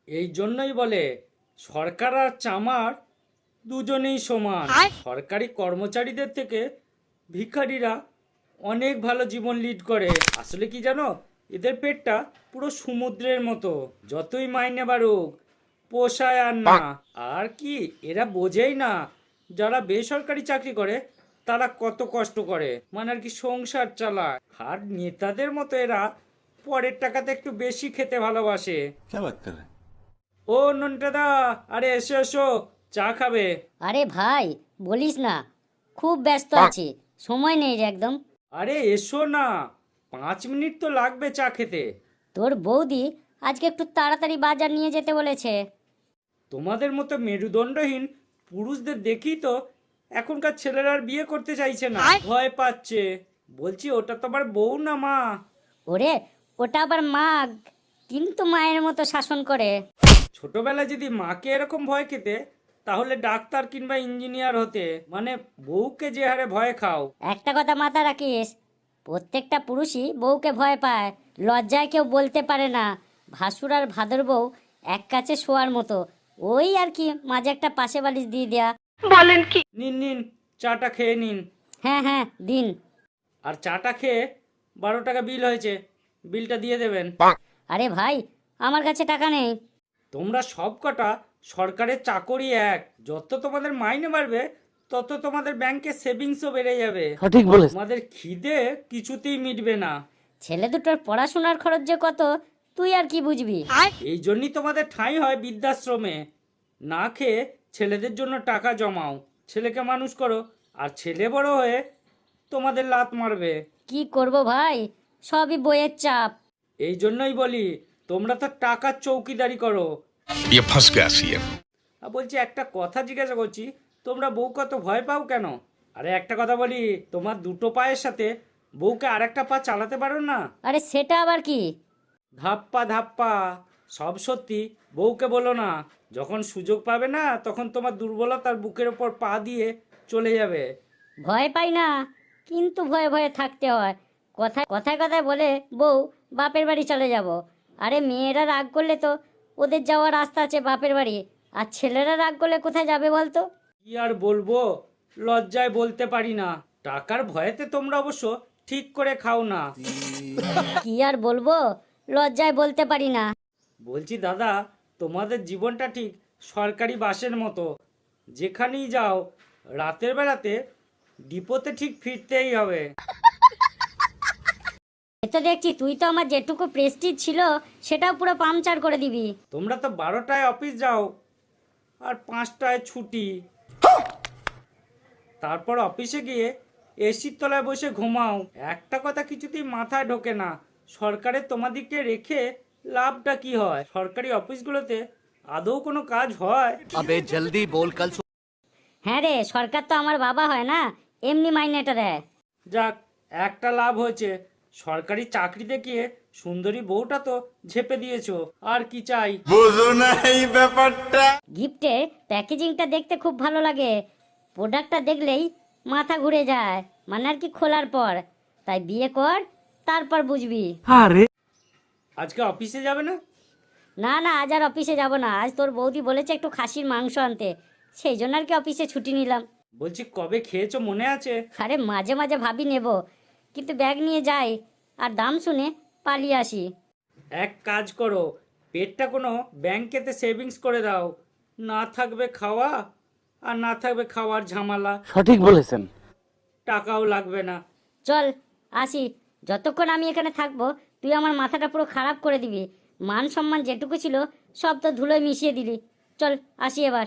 এই জন্যই বলে সরকার আর চামার দুজনেই সমান। সরকারি কর্মচারীদের থেকে ভিখারিরা অনেক ভালো জীবন লিড করে। আসলে কি জানো, এদের পেটটা পুরো সমুদ্রের মতো, যতই মাইনে বাড়ুক পোষায় আর না। আর কি এরা বোঝেই না যারা বেসরকারি চাকরি করে তারা কত কষ্ট করে, মানে আর কি সংসার চালায়। আর নেতাদের মতো এরা পরের টাকাতে একটু বেশি খেতে ভালোবাসে। ও নন্টাদা, আরে এসো এসো, চা খাবে? আরে ভাই বলিস না, খুব ব্যস্ত আছি, সময় নেই রে একদম। আরে এসো না, 5 মিনিট তো লাগবে চা খেতে। তোর বৌদি আজকে একটু তাড়াতাড়ি বাজার নিয়ে যেতে বলেছে। তোমাদের মতো মেরুদণ্ডহীন পুরুষদের দেখি তো এখনকার ছেলেরা আর বিয়ে করতে চাইছে না, ভয় পাচ্ছে। বলছি ওটা তো আবার বউ না মা। ওরে ওটা আবার মাগ, কিন্তু মায়ের মতো শাসন করে। ছোটবেলায় যদি মাকে এরকম ভয় খেতে তাহলে ডাক্তার কিংবা ইঞ্জিনিয়ার হতে। মানে বউকে যে হারে ভয় খাও। একটা কথা মাথা রাখিস, প্রত্যেকটা পুরুষই বউকে ভয় পায়, লজ্জায় কেউ বলতে পারে না। ভাসুর আর ভাদর বউ এক কাছে শোয়ার মতো, ওই আর কি মাঝে একটা পাশে বালিশ দিয়ে দেয়া। নিন নিন, চাটা খেয়ে নিন। হ্যাঁ হ্যাঁ দিন। আর চাটা খেয়ে 12 টাকা বিল হয়েছে, বিলটা দিয়ে দেবেন। আরে ভাই আমার কাছে টাকা নেই। তোমরা সব কটা সরকারের চাকরি এক, যত তোমাদের মাইনে বাড়বে তত তোমাদের ব্যাংকে সেভিংসও বেড়ে যাবে। সঠিক বলেছ। তোমাদের খিদে কিছুতেই মিটবে না। ছেলে দুটোর পড়াশোনার খরচ যে কত তুই আর কি বুঝবি। এই জন্যই তোমাদের ঠাঁই হয় বৃদ্ধাশ্রমে। না খেয়ে ছেলেদের জন্য টাকা জমাও, ছেলেকে মানুষ করো, আর ছেলে বড় হয়ে তোমাদের লাত মারবে। কি করব ভাই, সবই বইয়ের চাপ। এই জন্যই বলি তোমরা তো টাকার চৌকিদারি করো। ये फंस गया सीएम। আর বলছি একটা কথা জিজ্ঞাসা করছি, তোমরা বউ কত ভয় পাও কেন? আরে একটা কথা বলি, তোমার দুটো পায়ের সাথে বউকে আরেকটা পা চালাতে পারো না? আরে সেটা আবার কি? ধাপ্পা ধাপ্পা। সব সত্যি বউকে বলো না। যখন সুযোগ পাবে না তখন তোমার দুর্বলতার বুকের ওপর পা দিয়ে চলে যাবে। ভয় পাই না, কিন্তু ভয়ে ভয়ে থাকতে হয়। কথায় কথায় কথায় বলে বউ বাপের বাড়ি চলে যাব। আরে মেয়েরা রাগ করলে তো ওদের যাওয়ার রাস্তা আছে বাপের বাড়ি, আর ছেলেরা রাগ করলে কোথায় যাবে বলতো? কি আর বলবো, লজ্জায় বলতে পারি না। টাকার ভয়েতে তোমরা অবশ্য ঠিক করে খাও না। কি আর বলবো, লজ্জায় বলতে পারি না। বলছি দাদা, তোমাদের জীবনটা ঠিক সরকারি বাসের মতো। যেখানেই যাও রাতের বেলাতে ডিপোতে ঠিক ফিরতেই হবে। এ তো দেখছি তুই তো আমার যেটুকু প্রেস্টিজ ছিল সেটাও পুরো পাংচার করে দিবি। তোমরা তো 12টায় অফিস যাও আর 5টায় ছুটি। তারপর অফিসে গিয়ে এসির তলায় বসে ঘুমাও। একটা কথা কিছুতেই মাথায় ঢোকে না, সরকারের তোমাদেরকে রেখে লাভটা কি হয়? সরকারি অফিসগুলোতে আদৌ কোনো কাজ হয়? अबे जल्दी बोल कल হ্যাঁ রে, সরকার তো আমার বাবা হয় না, এমনি মাইনেটা দেয়। যাক, একটা লাভ হয়েছে, সরকারি চাকরিতে গিয়ে সুন্দরী বউটা তো ঝেপে দিয়েছো, আর কি চাই? গিফটের প্যাকেজিংটা দেখতে খুব ভালো লাগে, প্রোডাক্টটা দেখলেই মাথা ঘুরে যায়, মানে আর কি খোলার পর। তাই বিয়ে কর, তারপর বুঝবি। আজকে অফিসে যাবে না? না না, আজ আর অফিসে যাব না। আজ তোর বৌদি বলেছে একটু খাসির মাংস আনতে, সেই জন্য আর কি অফিসে ছুটি নিলাম। বলছি কবে খেয়েছো মনে আছে? আরে মাঝে মাঝে ভাবি নেব, কিন্তু ব্যাগ নিয়ে যাই আর দাম শুনে পালিয়ে আসি। এক কাজ করো, পেটটা কোনো ব্যাংকেতে সেভিংস করে দাও। না থাকবে খাওয়া, আর না থাকবে খাওয়ার ঝামেলা। সঠিক বলেছেন। টাকাও লাগবে না। চল আসি, যতক্ষণ আমি এখানে থাকবো তুই আমার মাথাটা পুরো খারাপ করে দিবি। মান সম্মান যেটুকু ছিল সব তো ধুলোয় মিশিয়ে দিলি। চল আসি এবার।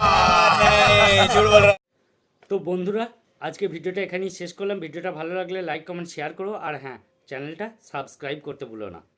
তো বন্ধুরা, আজকে ভিডিওটা এখানেই শেষ করলাম। ভিডিওটা ভালো লাগলে লাইক কমেন্ট শেয়ার করো, আর হ্যাঁ, চ্যানেলটা সাবস্ক্রাইব করতে ভুলো না।